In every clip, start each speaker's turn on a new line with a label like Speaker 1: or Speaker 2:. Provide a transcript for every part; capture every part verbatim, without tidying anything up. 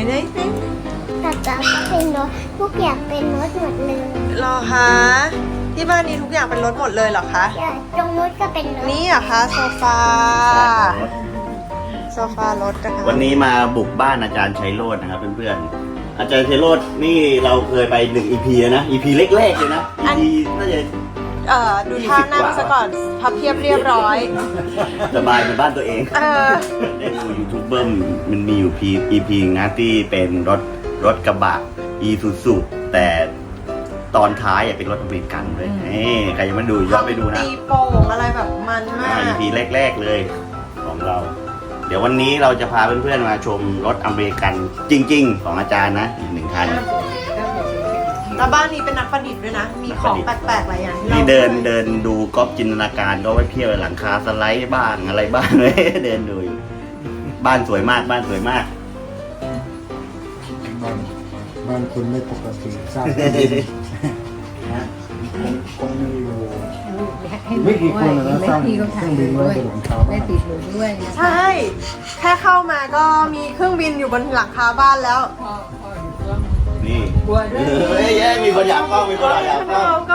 Speaker 1: ได้สิ
Speaker 2: แต่จ๋าก็เป็นรถทุกอย่างเป็นรถหมดเลย
Speaker 1: หรอคะที่บ้านนี้ทุกอย่างเป็นรถหมดเลยเหรอคะ
Speaker 2: ใช่ตรงนู้นก็เป็นรถ
Speaker 1: นี่เหรอคะโซฟาโซฟารถนะคะ
Speaker 3: วันนี้มาบุกบ้านอาจารย์ชัยโรจน์นะครับเพื่อนๆอาจารย์ชัยโรจน์นี่เราเคยไปหนึ่ง อี พี แล้วนะ อี พี แรกๆเลยนะ อี พี น่าจะ
Speaker 1: เอ่อดูท่านั่งซะก่อนพับเพียบเรียบร้อย
Speaker 3: สบายในบ้านตัวเอง
Speaker 1: เออ
Speaker 3: ได้ดูยูทูบเบอร์มันมีอยู่ อี พี นะที่เป็นรถรถกระบะอีซูซูแต่ตอนท้ายเป็นรถอเมริกันเลยนี่ใครยังไม่ดูย้อนไปดูนะ
Speaker 1: ตีโป่งอะไรแบบมันมาก
Speaker 3: อี พี แรกๆเลยของเราเดี๋ยววันนี้เราจะพาเพื่อนๆมาชมรถอเมริกันจริงๆของอาจารย์นะอีกหนึ่งคัน
Speaker 1: แล้วบ้านนี้เป็นนักประดิษฐ์ด้วยนะมีของแปลกๆหลายอย่าง
Speaker 3: ที่เดินเดินดูก๊อปจินตนาการก็ไว้เพียบหลังคาสไลด์บ้างอะไรบ้างเลยเดินดูอยู่บ้านสวยมากบ้านสวยมาก
Speaker 4: บ้านบ้านคุณไม่ปกติทราบนะคงมีอยู่ไม่กี่คนนะสร้างเครื่องบินไว้บนหลังคาบ้านติดอยู่
Speaker 1: ด้วยใช่แค่เข้ามาก็มีเครื่องบินอยู่บนหลังคาบ้านแล้ว
Speaker 3: นี่เฮ้ยเฮ้ยมีคนอยากกล้องมีคนอยากกล้อง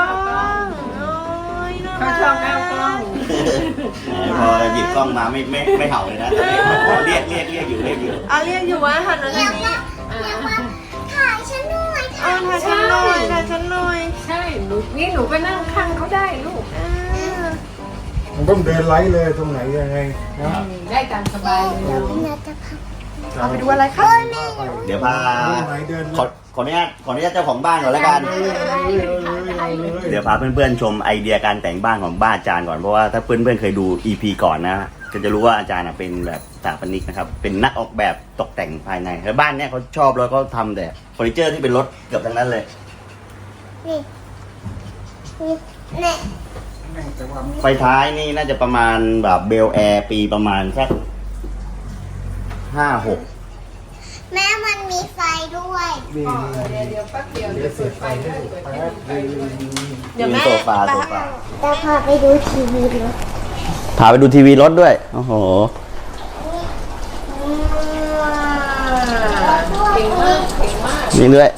Speaker 1: เขาชอบแนวกล้อง
Speaker 3: พอหยิบกล้องมาไม่ไม่ไม่เห่าเลยนะเรียกเรียกเรียกอยู่เรียกอยู่
Speaker 1: อ่ะเรียกอยู่ว่าหันมาทางนี้
Speaker 2: ถ่ายฉันหน่อย
Speaker 1: ถ่ายฉันหน่อยถ่ายฉันหน่อย
Speaker 5: ใช่ลูกนี่หนูไปนั่งข้างเขาได้ลูก
Speaker 4: มันต้องเดินไล่เลยตรงไหนยังไงนะ
Speaker 5: ได้ตามสบายเลย
Speaker 2: เดี๋ยวพี่นัทจะพา
Speaker 1: ไปดูอะไรครับ
Speaker 3: เดี๋ยวพาขอขออนุญาตขออนุญาตเจ้าของบ้านก่อนแล้วกันเดี๋ยวพาเพื่อนๆชมไอเดียการแต่งบ้านของบ้านอาจารย์ก่อนเพราะว่าถ้าเพื่อนๆเคยดู อี พี ก่อนนะก็จะรู้ว่าอาจารย์เป็นแบบสถาปนิกนะครับเป็นนักออกแบบตกแต่งภายในแล้วบ้านเนี้ยเขาชอบแล้วก็ทำแต่เฟอร์นิเจอร์ที่เป็นรถเกือบทั้งนั้นเลย
Speaker 2: นี่นี่
Speaker 3: ไฟท้ายนี่น่าจะประมาณแบบเบลแอร์ปีประมาณสักห้าหก
Speaker 2: แม่มันมีไฟด้วย
Speaker 5: เดี๋ยวเดี๋ยวแป๊บเดียวเดี๋ยวเปิดไฟได้
Speaker 1: เดี๋ยวแม่
Speaker 3: โซฟาโซฟา
Speaker 2: จะพาไปดูทีวีรถ
Speaker 3: พาไปดูทีวีรถด้วยโอ้โห
Speaker 5: เก่งมากเก่งมาก
Speaker 3: นี่ด้วย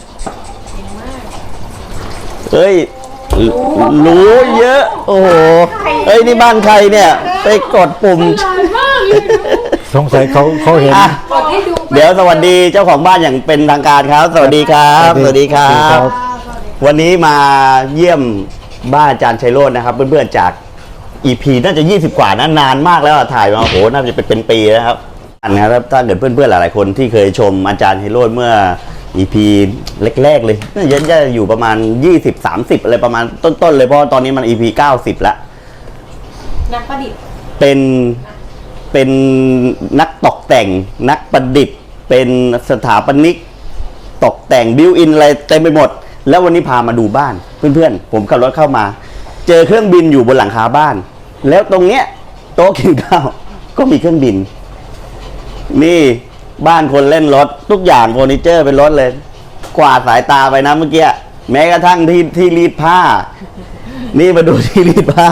Speaker 3: เฮ้ยรู้เยอะโอ้โหเฮ้ยนี่บ้านใครเนี่ยไปกดปุ่ม
Speaker 4: สงสัยเขาเขาเห็น
Speaker 3: เดี๋ยวสวัสดีเจ้าของบ้านอย่างเป็นทางการครับสวัสดีครับสวัสดีครับวันนี้มาเยี่ยมบ้านอาจารย์ชัยโรจน์นะครับเพื่อนๆจาก อี พี น่าจะยี่สิบกว่านะนานมากแล้วถ่ายมาโอ้โหน่าจะเป็นปีแล้วครับอันนี้ครับถ้าเกิดเพื่อนๆหลายๆคนที่เคยชมอาจารย์ชัยโรจน์เมื่อ อี พี แรกๆเลยน่าจะอยู่ประมาณยี่สิบ สามสิบอะไรประมาณต้นๆเลยเพราะตอนนี้มัน อี พี เก้าสิบแล้ว
Speaker 1: นักประดิษฐ์
Speaker 3: เป็นเป็นนักตกแต่งนักประดิษฐ์เป็นสถาปนิกตกแต่งบิวอินอะไรเต็มไปหมดแล้ววันนี้พามาดูบ้านเพื่อนๆผมขับรถเข้ามาเจอเครื่องบินอยู่บนหลังคาบ้านแล้วตรงเนี้ยโต๊ะกินข้าวก็มีเครื่องบินนี่บ้านคนเล่นรถทุกอย่างเฟอร์นิเจอร์เป็นรถเลยกวาดสายตาไปนะเมื่อกี้แม้กระทั่งที่ที่รีดผ้านี่มาดูที่รีดผ้า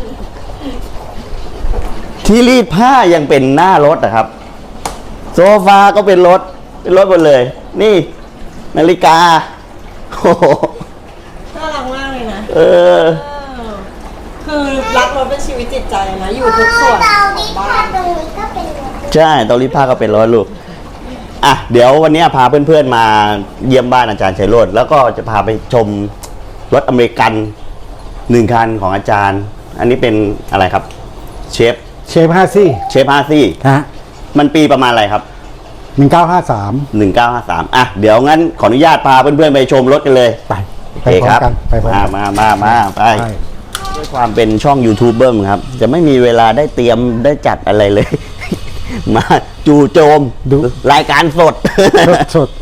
Speaker 3: ที่รีดผ้ายังเป็นหน้ารถนะครับโซฟาก็เป็นรถเป็นรถหมดเลยนี่นาฬิกาโอ้โห
Speaker 1: น่ารักมากเลยนะ
Speaker 3: เออ
Speaker 1: คือรักรถเป็นชีวิตจิตใจนะอยู่ทุกส่วน
Speaker 2: เตารีดผ้าตรงนี้ก็เป็นรถ
Speaker 3: ใช่เตารีดผ้าก็เป็นรถลูกอ่ะเดี๋ยววันนี้พาเพื่อนๆมาเยี่ยมบ้านอาจารย์ชัยโรจน์แล้วก็จะพาไปชมรถอเมริกันหนึ่งคันของอาจารย์อันนี้เป็นอะไรครับเชฟ
Speaker 4: เชฟฮาซี่
Speaker 3: เชฟฮาซี่
Speaker 4: ฮะ
Speaker 3: มันปีประมาณอะไรครับ
Speaker 4: หนึ่งเก้าห้าสาม
Speaker 3: หนึ่งเก้าห้าสามอ่ะเดี๋ยวงั้นขออนุญาตพาเพื่อนๆไปชมรถกันเลย
Speaker 4: ไป
Speaker 3: ไปครับมามามามาไปด้วยความเป็นช่องยูทูบเบอร์ครับจะไม่มีเวลาได้เตรียมได้จัดอะไรเลยมาจู่โจมดูรายการสด
Speaker 4: สด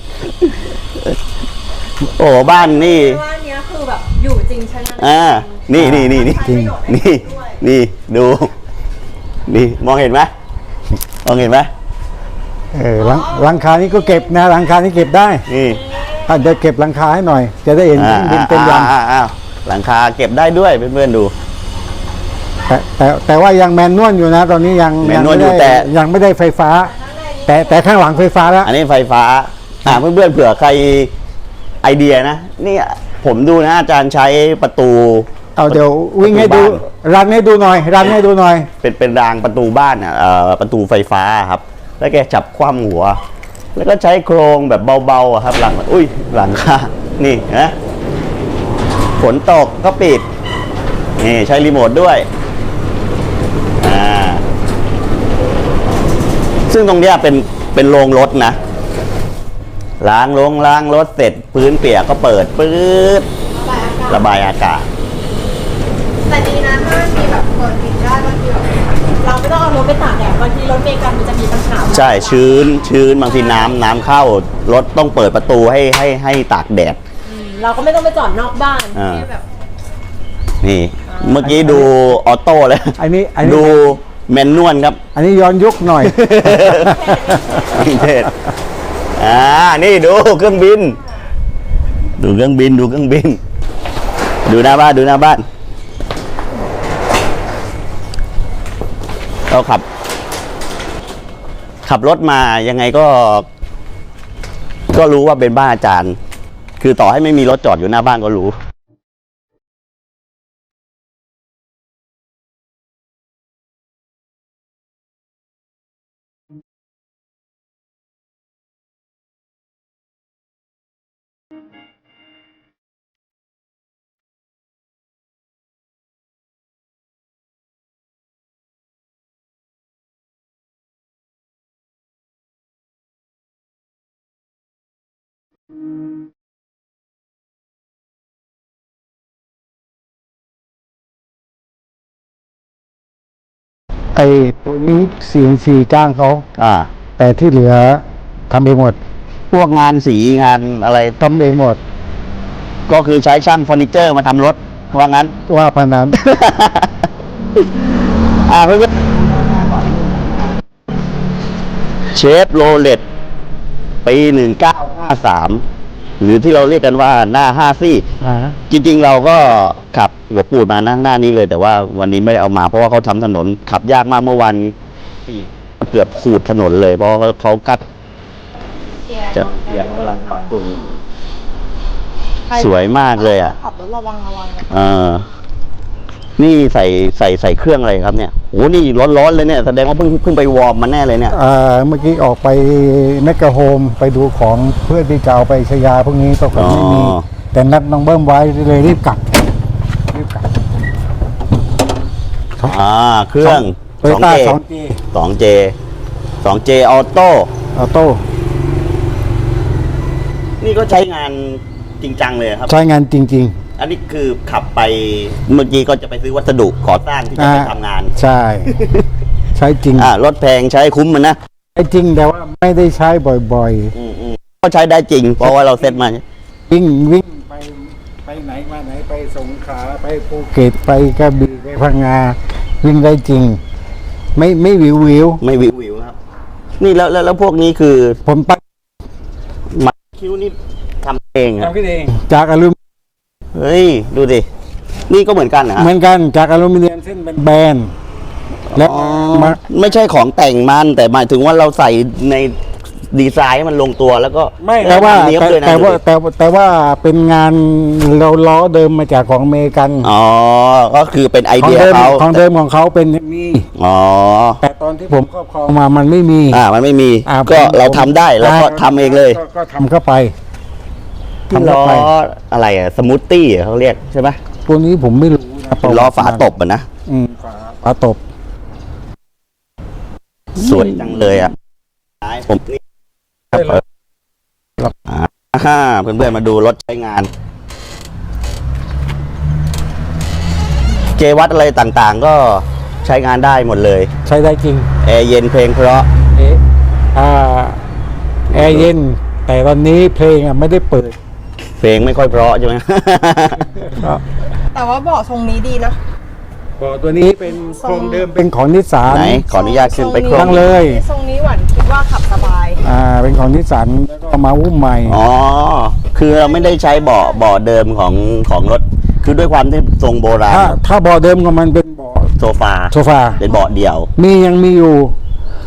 Speaker 3: โอ้บ้านนี่
Speaker 1: บ้านนี้คือแบบอยู่จริงใช่ไหม
Speaker 3: อ่านี่นี่นี่นี่นี่นี่ดูนี่มองเห็นไหมมองเห็นไหม
Speaker 4: เออหลังคานี้ก็เก็บนะหลังคานี้เก็บได้
Speaker 3: นี่
Speaker 4: ถ้าจะเก็บหลังคาให้หน่อยจะได้เห็นดินเป็นล
Speaker 3: ำหลังคาเก็บได้ด้วยเพื่อนๆดู
Speaker 4: แต่แต่แต่ว่ายังแมนนวลอยู่นะตอนนี้ยัง
Speaker 3: แมนนวลอยู่แต่
Speaker 4: ยังไม่ได้ไฟฟ้าแต่แต่ข้างหลังไฟฟ้าแล้ว
Speaker 3: อันนี้ไฟฟ้าอ่าเพื่อนๆเผื่อใครไอเดียนะนี่ผมดูนะอาจารย์ใช้ประตู
Speaker 4: เอาเดี๋ยววิ่งให้ดูรันให้ดูหน่อย รันให้ดูหน่อย
Speaker 3: เป็นเป็นรางประตูบ้านอ่ะเอ่อประตูไฟฟ้าครับ แล้วแกจับคว่ำหัว แล้วก็ใช้โครงแบบเบาๆอะครับ หลังอุ้ยหลังคานี่นะฝนตกก็ปิดนี่ใช้รีโมทด้วยอ่าซึ่งตรงเนี้ยเป็นเป็นโรงรถนะล้างลงล้างรถเสร็จพื้นเปียกก็เปิดปื๊ดระบายอากาศ
Speaker 1: แต่ดีนะถ้ามันมีแบบเปิดปิดได้บางทีแบบเราไม่ต้องเอารถไปตากแดดบางทีรถเมล์กันมันจะมีปัญหา
Speaker 3: ใช่ชื้นชื้นบางทีน้ำน้ำเข้ารถต้องเปิดประตูให้ให้ให้ตากแดด
Speaker 1: อืมเราก็ไม่ต้องไปจอดนอกบ้าน
Speaker 3: อ่า
Speaker 1: ที่แบบ
Speaker 3: นี่ เมื่อกี้ดูออโต้เลย
Speaker 4: อันนี้อันนี้
Speaker 3: ดูแมนนวลครับ
Speaker 4: อันนี้ย้อนยุคหน่อย
Speaker 3: วินเทจอ่านี่ดูเครื่องบิน ดูเครื่องบินดูเครื่องบิน ดูหน้าบ้านดูหน้าบ้านเราขับ ขับรถมายังไงก็ ก็รู้ว่าเป็นบ้านอาจารย์ คือต่อให้ไม่มีรถจอดอยู่หน้าบ้านก็รู้
Speaker 4: ไอ้ตัวนี้ ซี เอ็น ซี จ้างเขา
Speaker 3: อ่า
Speaker 4: แต่ที่เหลือทำเองหมด
Speaker 3: พวกงานสีงานอะไร
Speaker 4: ทำเองหมด
Speaker 3: ก็คือใช้ช่างเฟอร์นิเจอร์มาทำรถ ว่างั้น
Speaker 4: ว่าพนัน
Speaker 3: อ่าเพื่อนๆเชฟโรเลตปีหนึ่งเก้าห้าสามหรือที่เราเรียกกันว่าหน้าห้าซี่
Speaker 4: อ่า
Speaker 3: จริงๆเราก็ขับหัวปูดมานะหน้านี้เลย แต่ว่าวันนี้ไม่ได้เอามา เพราะว่าเขาทำถนนขับยากมากเมื่อวันเกือบขูดถนนเลย เพราะเขากัดจะเปียกกำลังปรับปรุงสวยมากเลยอ่ะ
Speaker 1: ขับรถระวังระวังนะ
Speaker 3: เออนี่ใส่ใส่ใส่เครื่องอะไรครับเนี่ยโอ้นี่ร้อนๆเลยเนี่ยแสดงว่าเพิ่งเพิ่งไปวอร์มมาแน่เลยเนี่ย
Speaker 4: อ่าเมื่อกี้ออกไปแมกกาโฮมไปดูของเพื่อที่จะเอาไปชยาพวกนี้ปรากฏไม่มี แต่นัดน้องเบิ้มไว้เลยรีบกลับรีบกลับ
Speaker 3: อ่าเครื่อง
Speaker 4: โตโยต้า
Speaker 3: สอง
Speaker 4: สอง
Speaker 3: เจ สองเจออโต้
Speaker 4: ออโต้
Speaker 3: นี่ก็ใช้งานจริงจังเลยครับ
Speaker 4: ใช้งานจริง
Speaker 3: อันนี้คือขับไปเมื่อกี้ก็จะไปซื้อวัสดุก่อสร้างที่
Speaker 4: ๆ
Speaker 3: จะ
Speaker 4: อ่า
Speaker 3: ไปทำงาน
Speaker 4: ใช่ ใช้จริง
Speaker 3: อ่ารถแพงใช้คุ้มมันนะ
Speaker 4: ใช้จริงแต่ว่าไม่ได้ใช้บ่อย
Speaker 3: อืมอืมก็ใช้ได้จริง เพราะว่าเราเซ็ตมา
Speaker 4: ๆ วิ่งวิ่งไปไปไหนมาไหนไปสงขลาไปภูเก็ตไปกระบี่ไปพังงาวิ่งได้จริง ไม่ไม่วิววิว
Speaker 3: ไม่วิววิวครับ นี่แล้วแล้วแล้วพวกนี้คือ
Speaker 4: ผมปัก
Speaker 3: มาคิ้วนี่ทำเองครับ
Speaker 4: เองจากอลูมิ
Speaker 3: เฮ้ย ดูดิ นี่ก็เหมือนกันนะ
Speaker 4: เหมือนกันจากอลูมิเนียมเส้นเป็นแบนๆแล้ว
Speaker 3: อ๋อ
Speaker 4: มา
Speaker 3: ไม่ใช่ของแต่งมัน แต่หมายถึงว่าเราใส่ในดีไซน์ให้มันลงตัวแล้วก็
Speaker 4: ไม่แต่ว่า
Speaker 3: เนี้ยบ
Speaker 4: แต่
Speaker 3: ด้วยนะ
Speaker 4: แต่ว่า
Speaker 3: ดูดิ
Speaker 4: แต่ว่าแต่ว่าเป็นงานเราล้อเดิมมาจากของอเมริกัน
Speaker 3: อ๋อ ก็คือเป็นไอ
Speaker 4: ของ
Speaker 3: เดีย
Speaker 4: เดิม
Speaker 3: เขา
Speaker 4: ของเดิมของเขาเป็นมี
Speaker 3: อ๋อ
Speaker 4: แต่ตอนที่ผมครอบครองมามันไม่มี
Speaker 3: อ่า มันไม่มี
Speaker 4: อ่า
Speaker 3: ก็
Speaker 4: ผม
Speaker 3: เราทำได้แล้วก็
Speaker 4: อ่า
Speaker 3: ทำเองเลย
Speaker 4: ก็ก็ทำเข้าไป
Speaker 3: ที่
Speaker 4: ทำ
Speaker 3: ล้
Speaker 4: เข้า
Speaker 3: อ
Speaker 4: ไป
Speaker 3: อะไรอะสมูทตี้เขาเรียกใช่ไหม
Speaker 4: ตัวนี้ผมไม่รู้นะ
Speaker 3: เป็นล้อฝาตบอะนะ
Speaker 4: อืมฝาฝาตบ
Speaker 3: สวยจังเลยอ่ะผมนี่อ่าเพื่อนๆมาดูรถใช้งาน เจวัดอะไรต่างๆ ก็ใช้งานได้หมดเลย
Speaker 4: ใช้ได้จริง
Speaker 3: แอร์เย็นเพลงเพราะ
Speaker 4: เอะอ่าแอร์เย็น แต่ตอนนี้เพลงอ่ะไม่ได้เปิด
Speaker 3: เพลงไม่ค่อยเพราะใช่ไหม
Speaker 1: แต่ว่าเบาะทรงนี้ดีนะ
Speaker 4: บอกตัวนี้เป็นโครงเดิมเป็นของนิสสัน
Speaker 3: ไหนขออนุญาตขึ้นไปโคร
Speaker 4: นั่
Speaker 3: ง
Speaker 4: งเลย
Speaker 1: ทรงนี้หวานคิดว่าขับสบาย
Speaker 4: อ่าเป็นของนิสสันแล้วก็มาอุ้มใหม่
Speaker 3: อ๋อ คือเราไม่ได้ใช้เบาะเบาะเดิมของของรถ คือด้วยความที่ทรงโบราณ
Speaker 4: ถ้าถ้าเบาะเดิมของมันเป็นเบาะ
Speaker 3: โซฟา
Speaker 4: โซฟา
Speaker 3: เป็นเบาะเดี่ยว
Speaker 4: มียังมีอยู่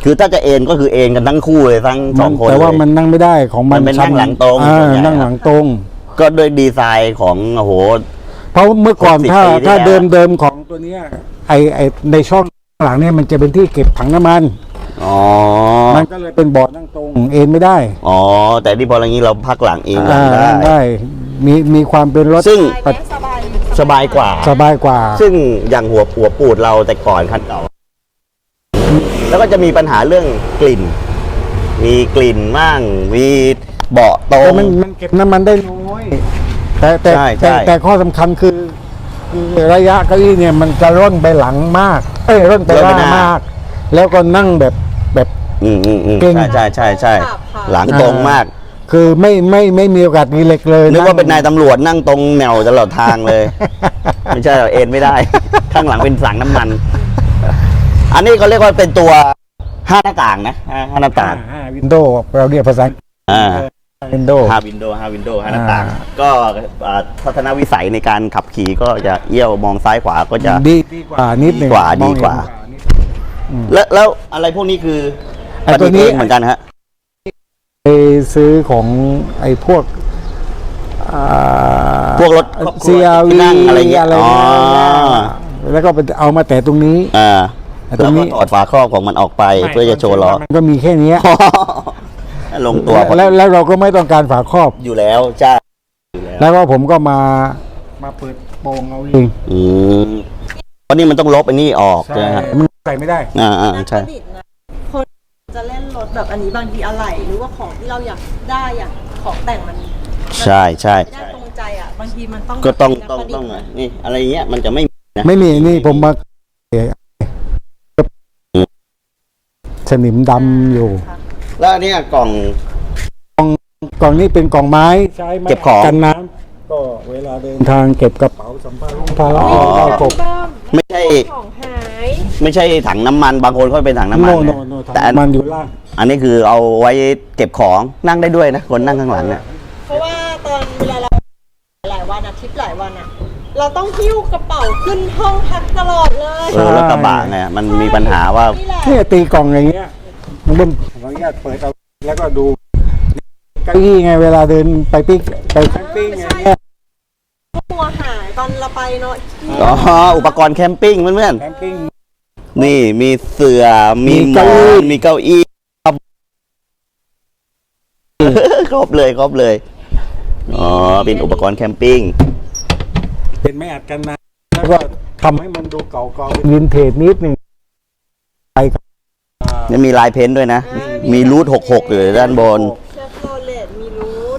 Speaker 3: คือถ้าจะเอนก็คือเอนกันทั้งคู่เลยทั้งสองคน
Speaker 4: แต่ว่า
Speaker 3: เลย
Speaker 4: มันนั่งไม่ได้ของมัน
Speaker 3: มันเป็นนั่งหลังตรง
Speaker 4: อ่า
Speaker 3: ส่วนใหญ่
Speaker 4: นั่งหลังตรง
Speaker 3: ก็ด้วยดีไซน์ของโอ้โห
Speaker 4: เพราะเมื่อก่อน
Speaker 3: หกสิบ
Speaker 4: ถ้า
Speaker 3: ปีที่
Speaker 4: ถ้า
Speaker 3: แล้ว
Speaker 4: เดิมเดิมของตัวเนี้ยไอไอในช่องหลังเนี่ยมันจะเป็นที่เก็บถังน้ำมัน
Speaker 3: อ๋อ
Speaker 4: มันก็เลยเป็นเบาะนั่งตรงเอนไม่ได้
Speaker 3: อ๋อแต่ที่พออย่างนี้เราพักหลังเองหลั
Speaker 4: อ่าง
Speaker 3: ได้
Speaker 4: นั่งได้มีมีความเป็นรถ
Speaker 3: ซึ่ง
Speaker 1: สบายไหมสบาย
Speaker 3: สบายกว่า
Speaker 4: สบายกว่า
Speaker 3: ซึ่งอย่างหัวหัวปูดเราแต่ก่อนคันเก่า แล้วก็จะมีปัญหาเรื่องกลิ่น มีกลิ่นมั่งมีเบาะตร
Speaker 4: แต่
Speaker 3: ง
Speaker 4: มันมันเก็บน้ำมันได้น้อยแต่แต่
Speaker 3: ใช่ใช่
Speaker 4: แต่แต่ข้อสำคัญคือคือระยะเก้าอี้เนี่ยมันจะร่นไปหลังมาก เอ้ยร่นไปหน้ามาก แล้วก็นั่งแบบแบบ
Speaker 3: อืมอืมอืม
Speaker 4: เก่ง
Speaker 3: ใช่ใช่ใช่ใช่หลังตรงมาก
Speaker 4: คือไม่ไม่ไม่มีโอกาสรีเล็กเลย
Speaker 3: นึกว่าเป็นนายตำรวจนั่งตรงแนวตลอดทางเลย ไม่ใช่หรอกเอ็นไม่ได้ ข้างหลังเป็นสังน้ำมัน อันนี้เขาเรียกว่าเป็นตัวห้าหน้าต่างนะห้าห้าหน้าต่าง
Speaker 4: วินโดว์เราเรียกภาษา
Speaker 3: อ่า
Speaker 4: วินโดว์
Speaker 3: ห้าวินโดว์ห้าวินโดว์ห้าหน้าต่าง
Speaker 4: อ่า
Speaker 3: ก็อ่าทัศนวิสัยในการขับขี่ก็จะเอี้ยวมองซ้ายขวาก็จะ
Speaker 4: ดีดีกว่านิดหนึ่ง
Speaker 3: ดีกว่า
Speaker 4: อง
Speaker 3: ดีกว่า
Speaker 4: เห็นนิด
Speaker 3: แล้วแล้วอะไรพวกนี้คือ
Speaker 4: ไอ้ตัวนี้
Speaker 3: ประดิษฐ์เองเหมือนกันฮะ
Speaker 4: ไปซื้อของไอ้พวกอ่า
Speaker 3: พวกรถครอบครัว
Speaker 4: ซี อาร์ วี
Speaker 3: ที่นั่งอะไรเงี้ย
Speaker 4: อะไร
Speaker 3: อ๋อ
Speaker 4: เงี้ยแล้วก็ไปเอามาแต่ตรงนี้
Speaker 3: อ่า
Speaker 4: ไอ้ตร
Speaker 3: แล้ว
Speaker 4: งนี้
Speaker 3: ก็ถอดฝาครอบของมันออกไปเพื่อจะโชว์ล้อ
Speaker 4: มันก็มีแค่เนี้ย
Speaker 3: ลงตัวพอ
Speaker 4: แล้วแล้วเราก็ไม่ต้องการฝาครอบ
Speaker 3: อยู่แล้วจ้าอยู่แล้ว
Speaker 4: แล้วก็ผมก็มามาเปิดโปงเอาเอง
Speaker 3: อืมเพราะนี่มันต้องลบไอ้นี่ออก
Speaker 4: ใช่
Speaker 3: ใช่ไหมฮะ
Speaker 4: มันใส่ไม่ได้
Speaker 3: อ่าอ่าใช่
Speaker 1: นักประดิษฐ์นะคนจะเล่นรถแบบอันนี้บางทีอะไรหรือว่าของที่เราอยากได้อยากของแต่งมัน
Speaker 3: ใช่ใช่
Speaker 1: ไม่ได้ตรงใจอ่ะบางทีมันต้อง
Speaker 3: ก็ต้อง
Speaker 1: นั
Speaker 3: ต้อง
Speaker 1: ประดิษ
Speaker 3: ต้อง
Speaker 1: ฐ์
Speaker 3: ไงนี่อะไรเงี้ยมันจะไม่มีนะ
Speaker 4: ไม่มีนี่ผมมาสนิมดำอยู่
Speaker 3: แล้วอันเนี้ยกล่อง
Speaker 4: กล่องนี้เป็นกล่องไม้ใช้ไม้
Speaker 3: เก็บของ
Speaker 4: กันน้ำก็เวลาเดินทางเก็บกระเป๋าสัมภาระภาระเอากบ
Speaker 3: ไม่ใช่
Speaker 1: ของหาย
Speaker 3: ไม่ใช่ถังน้ำมันบางคนเขาเป็นถังน้ำมัน
Speaker 4: โน
Speaker 3: นะ
Speaker 4: โนโน
Speaker 3: แต่อัน
Speaker 4: มันอยู่ล่าง
Speaker 3: อันนี้คือเอาไว้เก็บของนั่งได้ด้วยนะคนนั่งข้างหลังเนี่ย
Speaker 1: เพราะว่าตอนเวลาเราหลายวันอะทริปหลายวันอะเราต้องหิ้วกระเป๋าขึ้นห้องพักตลอดเลย
Speaker 3: เออแล้วกระบะไงมันมีปัญหาว่า
Speaker 1: นี่แหละ
Speaker 4: เนี่ยตีกล่องอย่างเงี้ยมันเป็นขออนุญาตเปิดเอาแล้วก็ดูเก้าอี้ไงเวลาเดินไปปิ๊กไปแคมปิ้งไงเนี่ย
Speaker 1: ตัวหายตอนเราไปเนาะ
Speaker 3: อ๋ออุปกรณ์แคมปิ้งเพื่อน
Speaker 4: แคมปิ้ง
Speaker 3: ๆนี่มีเสื่อมี
Speaker 4: มี
Speaker 3: หมอ
Speaker 4: เก้าอี้
Speaker 3: นมีเก้าอี้ครบเลยครบเลยอ๋อเป็นอุปกรณ์แคมปิ้ง
Speaker 4: เป็นไม้อัดกันนะแล้วก็ทำให้มันดูเก่าๆวินเทจนิดหนึ่งไปกับ
Speaker 3: นี่มีลายเพ้นท์ด้วยนะ มีรูทหกหกอยู่ด้านบน
Speaker 1: เชฟโรเลตมีรูท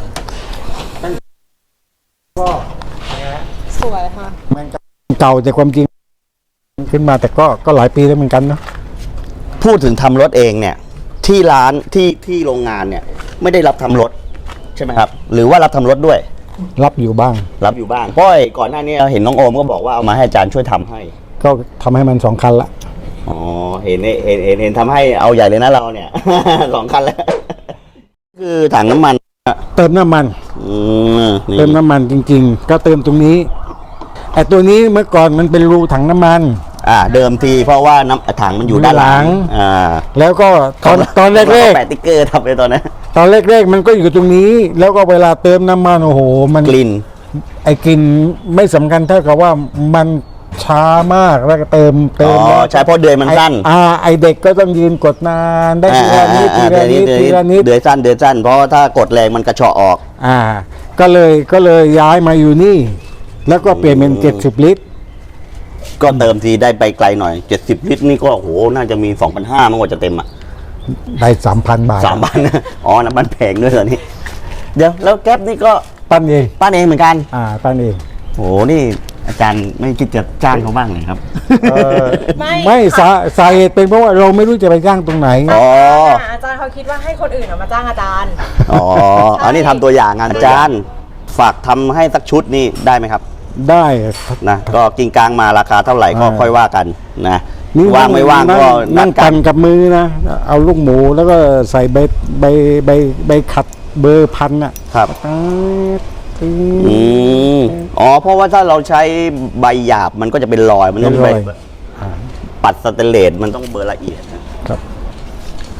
Speaker 4: ก็
Speaker 1: สวยค่ะ
Speaker 4: มันเก่าแต่ความจริงขึ้นมาแต่ก็ก็หลายปีแล้วเหมือนกันเนาะ
Speaker 3: พูดถึงทำรถเองเนี่ย ที่ร้านที่ที่โรงงานเนี่ย ไม่ได้รับทำรถใช่ไหมครับ หรือว่ารับทำรถด้วย
Speaker 4: รับอยู่บ้าง
Speaker 3: รับอยู่บ้างเพราะไอ้ก่อนหน้านี้เห็นน้องโอมก็บอกว่าเอามาให้อาจารย์ช่วยทำให้
Speaker 4: ก็ทำให้มันสองคันละ
Speaker 3: อ๋อเห็นเห็นเห็นเห็นทำให้เอาใหญ่เลยนะเราเนี่ย สองคันแล้ว คือถังน้ำมัน
Speaker 4: เติมน้ำมัน
Speaker 3: อืมนี่
Speaker 4: เติมน้ำมันจริง ๆ ก็เติมตรงนี้ไอ้ตัวนี้เมื่อก่อนมันเป็นรูถังน้ำมัน
Speaker 3: อ่า เดิมทีเพราะว่าน้ำถังมันอยู่ด้านหลัง
Speaker 4: อยู่หลัง
Speaker 3: อ่า
Speaker 4: แล้วก็ตอนตอนแรก
Speaker 3: แปะติ๊กเกอร์ทำไปตอนนั้น
Speaker 4: ๆตอนแรกๆมันก็อยู่ตรงนี้ แล้วก็เวลาเติมน้ำมันโอ้โห มัน
Speaker 3: กลิ่น
Speaker 4: ไอ้กลิ่นไม่สำคัญเท่ากับว่ามันช้ามากแล้วก็เติมเติ
Speaker 3: อ๋
Speaker 4: ม
Speaker 3: อ
Speaker 4: แล้ว
Speaker 3: ใช่เพราะเดือยมันสั้น
Speaker 4: ไอ้อ่าไอเด็กก็ต้องยืนกดนานได้ทีละนิดที
Speaker 3: เดื
Speaker 4: ละ
Speaker 3: อย
Speaker 4: นิด
Speaker 3: เดือย
Speaker 4: ทีละนิด
Speaker 3: เดือยสั้นเดือยสั้นเพราะว่าถ้ากดแรงมันกระเฉาะออก
Speaker 4: อ่า ก็เลยก็เลยย้ายมาอยู่นี่ แล้วก็เปลี่ยนเป็นเจ็ดสิบลิตร
Speaker 3: ก็เติมทีได้ไปไกลหน่อยเจ็ดสิบลิตรนี่ก็โอ้โหน่าจะมีสองพันห้ามันกว่าจะเต็มอ่ะ
Speaker 4: ได้สามพันบาท
Speaker 3: สามพันอ๋อน้ำมันแพงด้วยเหรอนี่เดี๋ยวแล้วแก๊ปนี่ก็
Speaker 4: ปั้นเอง
Speaker 3: ป้านเองเหมือนกัน
Speaker 4: อ่าปั้นเอง
Speaker 3: โอ้โหนี่อาจารย์ไม่คิดจะจ้างเขาบ้างเลยครับ
Speaker 4: เออ
Speaker 1: ไม่
Speaker 4: ไม่สาสาเหตุเป็นเพราะว่าเราไม่รู้จะไปจ้างตรงไหน
Speaker 3: อ๋อ
Speaker 1: อาจารย์เขาคิดว่าให้คนอื่นอะมาจ้างอาจารย์
Speaker 3: อ๋ออันนี้ทำตัวอย่างงานอาจารย์ฝากทำให้สักชุดนี่ได้ไหมครับ
Speaker 4: ได้
Speaker 3: นะก็กิงกลางมาราคาเท่าไหร่ก็
Speaker 4: อ่า
Speaker 3: ค่อยว่ากันนะ
Speaker 4: นี่
Speaker 3: ว่างไม่ว่าง
Speaker 4: นั่
Speaker 3: ก็นั
Speaker 4: นั่
Speaker 3: ด
Speaker 4: ง
Speaker 3: กั
Speaker 4: ปั่
Speaker 3: น
Speaker 4: นกับมือนะ เอาลูกหมูแล้วก็ใส่ใบใบใบใบขัดเบอร์พันอ่ะ
Speaker 3: ครับ
Speaker 4: อ่า
Speaker 3: อืมอ๋อเพราะว่าถ้าเราใช้ใบหยาบมันก็จะเป็นรอยมันต้อง
Speaker 4: เป็น
Speaker 3: ไป
Speaker 4: รอย
Speaker 3: ปัดสเตนเลสมันต้องเบอร์ละเอียดนะครับ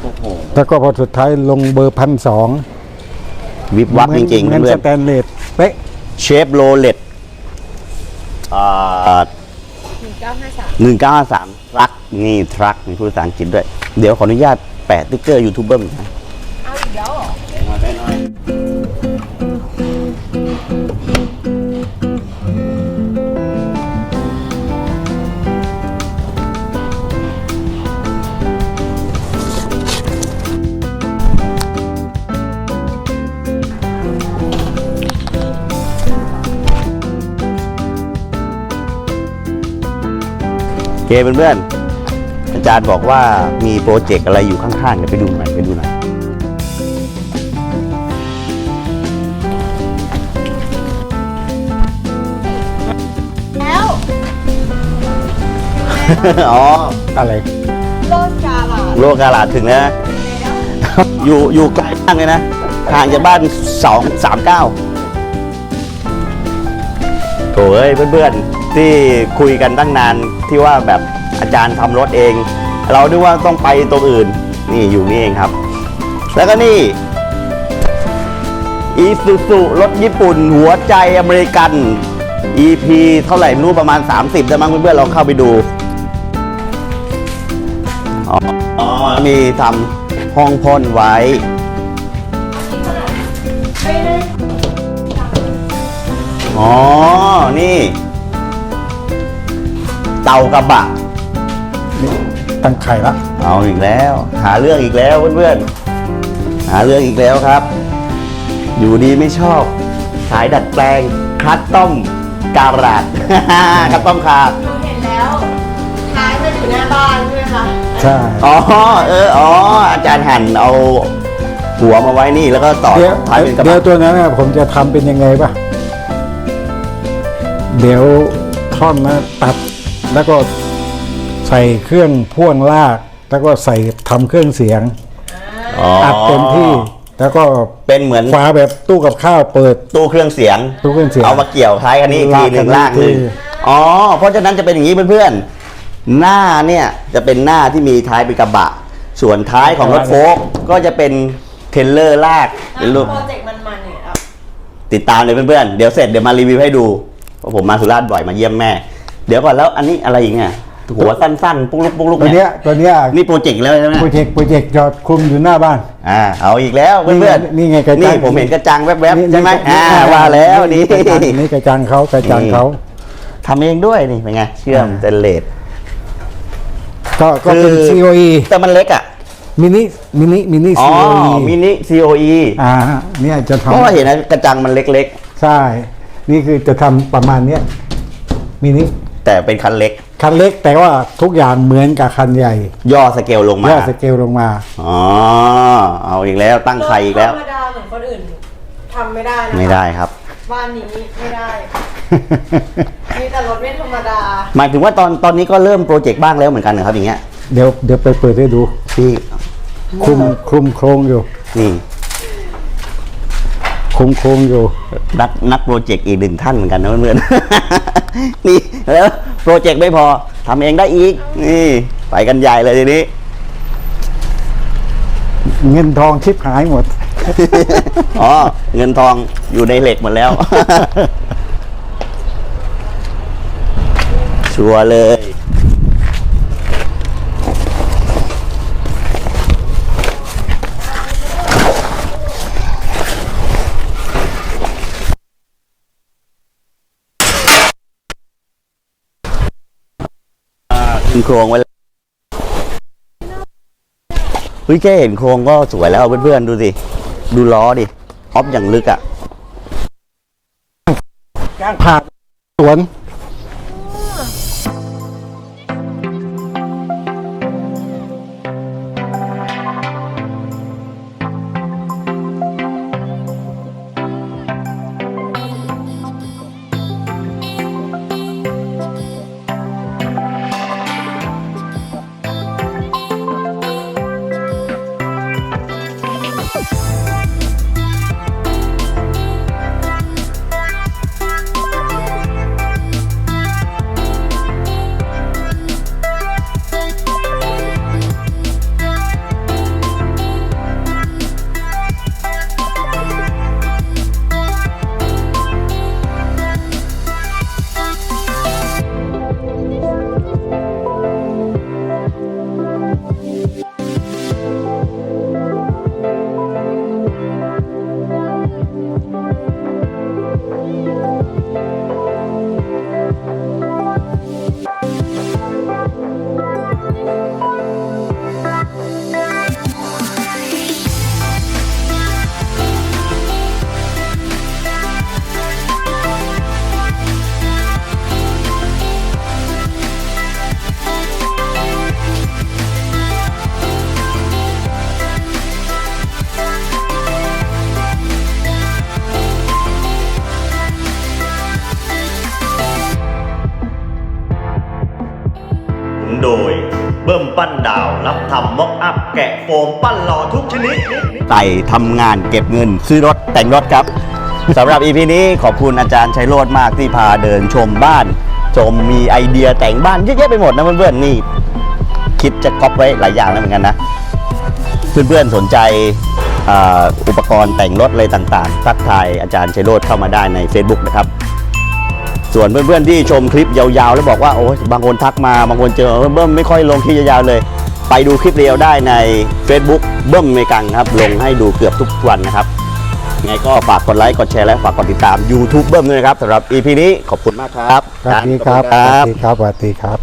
Speaker 3: โอ้โห
Speaker 4: แล้วก็พอสุดท้ายลงเบอร์พันสอง
Speaker 3: วิบวับจริงๆ
Speaker 4: เหมือน
Speaker 3: เพื่
Speaker 4: ส
Speaker 3: อน
Speaker 4: แตนเลสเป๊ะ
Speaker 3: เชฟโรเลตอ่า
Speaker 1: หนึ่งเก้าห้าสาม
Speaker 3: หนึ่งเก้าห้าสามทรัคนี่ทรัคมีพูดภาษาอังกฤษด้วย เดี๋ยวขออนุญาตแปะติ๊กเกอร์ยูทูบเบอร์นะ
Speaker 1: เอาอีกแล้วเหรอ
Speaker 3: ไปหน่อยโอเคเพื่อนๆอาจารย์บอกว่ามีโปรเจกต์อะไรอยู่ข้างๆเดี๋ยวไปดูหน่อยไปดูหน่อย
Speaker 1: แล้ว
Speaker 3: อ๋อ
Speaker 4: อะไร
Speaker 1: โลดกาลา
Speaker 3: โลกาลาดถึงแล้วนะ อยู่อยู่ไกลมากเลยนะห่างจากบ้านสองสามเก้าโถ่เอ้ยเพื่อนๆที่คุยกันตั้งนานที่ว่าแบบอาจารย์ทำรถเอง เราดูว่าต้องไปตรงอื่นนี่อยู่นี่เองครับ แล้วก็นี่อีซูซูรถญี่ปุ่นหัวใจอเมริกัน อี พี เท่าไหร่ไม่รู้ประมาณ สามสิบได้มั้งเพื่อนๆลองเข้าไปดู อ๋ออ๋อมีทำห้องพ่นไว้
Speaker 1: ไม่ได้
Speaker 3: อ๋อ นี่ เตากระบะ
Speaker 4: นี่ตั้งไข่ละ
Speaker 3: เอาอีกแล้ว หาเรื่องอีกแล้วเพื่อนๆ หาเรื่องอีกแล้วครับ อยู่ดีไม่ชอบ สายดัดแปลง คัสตอมการาด คัสตอมคาร์
Speaker 1: หนูเห็นแล้วท้ายมันอยู่หน้าบ้านใช่ไหมคะ
Speaker 4: ใช่
Speaker 3: อ๋อ เออ อ๋อ อาจารย์หั่นเอาหัวมาไว้นี่แล้วก็ต่อ
Speaker 4: เดี๋ยว
Speaker 3: ท้ายเป็นกระ
Speaker 4: เดี๋ยว
Speaker 3: บะ
Speaker 4: ตัวนั้นนะผมจะทำเป็นยังไงป่ะ เดี๋ยวท่อนนะตัดแล้วก็ใส่เครื่องพ่วงลาก แล้วก็ใส่ทำเครื่องเสียง
Speaker 3: อ๋อ
Speaker 4: อัดเต็มที่ แล้วก็
Speaker 3: เป็นเหมือน
Speaker 4: ฝาแบบตู้กับข้าวเปิด
Speaker 3: ตู้เครื่องเสียง
Speaker 4: ตู้เครื่องเสียง
Speaker 3: เอามาเกี่ยวท้ายคันนี้อีกทีหนึ่ง
Speaker 4: ลา
Speaker 3: ลาก ก
Speaker 4: กัน
Speaker 3: หนึ่ง
Speaker 4: อีกที
Speaker 3: อ๋อ เพราะฉะนั้นจะเป็นอย่างนี้เพื่อนๆ หน้าเนี่ยจะเป็นหน้าที่มีท้ายเป็นกระบะ ส่วนท้ายของรถโฟล์คก็จะเป็นเทรลเลอร์ลากเป็นรูป
Speaker 1: โปรเจกต์มันๆเนี่ยเอา
Speaker 3: ติดตามเลยเพื่อนๆ เดี๋ยวเสร็จเดี๋ยวมารีวิวให้ดูเพราะผมมาสุราษฎร์บ่อยมาเยี่ยมแม่ เดี๋ยวก่อนแล้วอันนี้อะไรอีกเนี่ยหัวสั้นๆ ปุ๊กลุกปุ๊กลุก
Speaker 4: ตัว
Speaker 3: เนี่
Speaker 4: เนี้
Speaker 3: ย
Speaker 4: ยตัวเนี้ย
Speaker 3: นี่โปรเจกต์แล้วใช่ไหม
Speaker 4: โปรเจกต์โปรเจกต์จอดคลุมอยู่หน้าบ้าน
Speaker 3: อ่าเอาอีกแล้วเพื่อนๆ
Speaker 4: นี่ไงกระจัง
Speaker 3: นี่ผมเห็นกระจังแวบ
Speaker 4: นี่
Speaker 3: ๆใช่ไหม
Speaker 4: นี่
Speaker 3: อ่าว่าแล้วนี่
Speaker 4: กระจังนี่กระจังเขากระจังเขา
Speaker 3: ทำเองด้วยนี่เป็นไงเชื่อม
Speaker 4: อ่า
Speaker 3: เตนเลส
Speaker 4: ก็ก็เป็น
Speaker 3: คือ
Speaker 4: ซี โอ อี
Speaker 3: แต่มันเล็กอ่ะ
Speaker 4: มินิมินิมินิ
Speaker 3: อ๋อ
Speaker 4: ซี โอ อี
Speaker 3: มินิ ซี โอ อี
Speaker 4: อ่าเนี่ยจะ
Speaker 3: เพราะว่า
Speaker 4: ทำ
Speaker 3: เห็นนะกระจังมันเล็ก
Speaker 4: ใช่ นี่คือจะทำประมาณเนี้ยมินิ
Speaker 3: ๆ แต่เป็นคันเล็ก
Speaker 4: คันเล็กแต่ว่าทุกอย่างเหมือนกับคันใหญ่
Speaker 3: ย่อสเกลลงมา
Speaker 4: ย่อสเกลลงมา
Speaker 3: อ๋อ เอาอีกแล้วตั้งไข่อีกแล้ว
Speaker 1: ธรรมดาเหมือนคนอื่นทำไม่ได้นะคะ
Speaker 3: ไม่ได้ครับ
Speaker 1: บ้านนี้ไม่ได้ มีแต่รถไม่ธรรมดา
Speaker 3: หมายถึงว่าตอนตอนนี้ก็เริ่มโปรเจกต์บ้างแล้วเหมือนกันนะครับอย่างเงี้ย
Speaker 4: เดี๋ยวเดี๋ยวไปเปิดให้ดู
Speaker 3: ที่
Speaker 4: คลุมคลุมโครงอยู่
Speaker 3: นี่
Speaker 4: คลุมโครงอยู่
Speaker 3: นักนักโปรเจกต์อีกหนึ่งท่านเหมือนกันนะเพื่อนๆ นี่แล้วโปรเจกต์ไม่พอทำเองได้อีก นี่ไปกันใหญ่เลยทีนี้
Speaker 4: เงินทองชิบหายหมด
Speaker 3: อ๋อ เงินทองอยู่ในเหล็กหมดแล้ว ชัวร์เลย ขึ้นโครงไว้แล้วเฮ้ยแค่เห็นโครงก็สวยแล้วเพื่อนๆดูสิ ดูล้อดิ ออฟอย่างลึกอ่ะ
Speaker 4: กลางผ่านสวน
Speaker 3: เบิ่มปั้นดาวรับทำม็อกอัพแกะโฟมปั้นหล่อทุกชนิดไต่ทำงานเก็บเงินซื้อรถแต่งรถครับสำหรับ อี พี นี้ขอบคุณอาจารย์ชัยโรจน์มากที่พาเดินชมบ้านชมมีไอเดียแต่งบ้านเยอะแยะไปหมดนะเพื่อนๆนี่คิดจะก๊อปไว้หลายอย่างแล้วเหมือนกันนะเพื่อนๆสนใจอุปกรณ์แต่งรถอะไรต่างๆทักทายอาจารย์ชัยโรจน์เข้ามาได้ใน Facebook นะครับส่วนเพื่อนๆที่ชมคลิปยาวๆแล้วบอกว่าโอ้บางคนทักมาบางคนเจอเบิ้มไม่ค่อยลงคลิปยาวๆเลยไปดูคลิปเรียวได้ใน Facebook เบิ้มเมกังครับลงให้ดูเกือบทุกวันนะครับไงก็ฝากกดไลค์กดแชร์และฝากกดติดตาม YouTube เบิ้มด้วยนะครับสำหรับ อี พี นี้ขอบคุณมากครับ
Speaker 4: สวัสดีครับสวัสดีครับสวัสดีครับ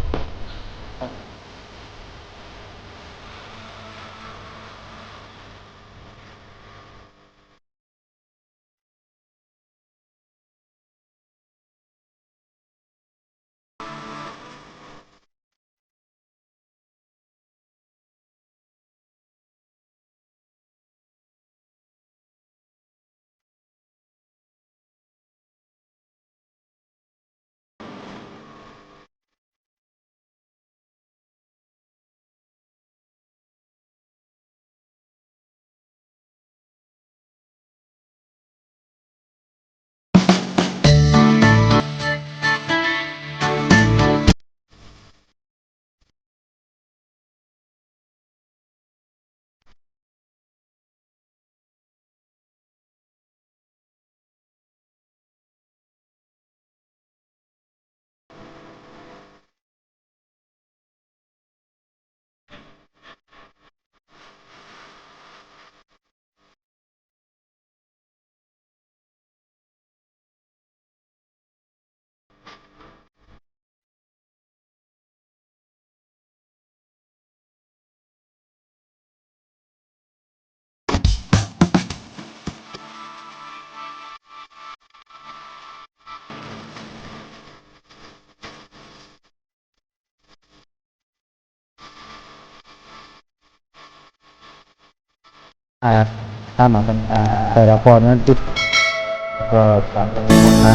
Speaker 4: อ่าถ้ามาเป็นอ่าแต่ละคนนั้นจุดก็สามคนห้า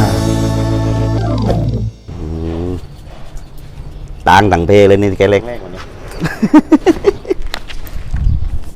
Speaker 3: ต่างต่างเพเลยนี่แกเล็กๆกว่านี้